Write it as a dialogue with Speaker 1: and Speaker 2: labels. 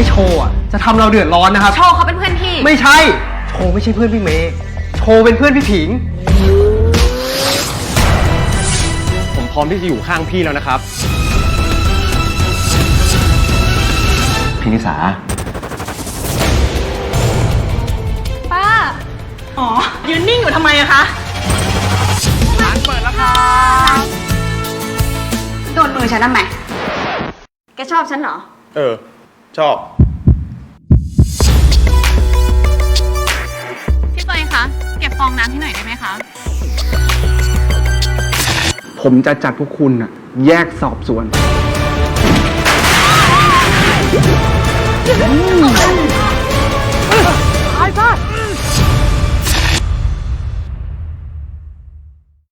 Speaker 1: โชว์อ่ะจะทำเราเดือดร้อนนะครับ
Speaker 2: โชว์เขาเป็นเพื่อนพี่
Speaker 1: ไม่ใช่โชว์ไม่ใช่เพื่อนพี่เมย์โชว์เป็นเพื่อนพี่ผิงผมพร้อมที่จะอยู่ข้างพี่แล้วนะครับพี่นิสา
Speaker 2: ป้า
Speaker 3: อ๋อยืนนิ่งอยู่ทำไมอะคะ
Speaker 1: ร้านเปิดแล้วค่ะ
Speaker 2: โดนมือฉันทำไมแกชอบฉันเหรอ
Speaker 4: ชอบ
Speaker 3: พี่เตยคะเก็บฟองน้ำที่ไหนได้ไหมคะ
Speaker 1: ผมจะจัดพวกคุณน่ะแยกสอบสวน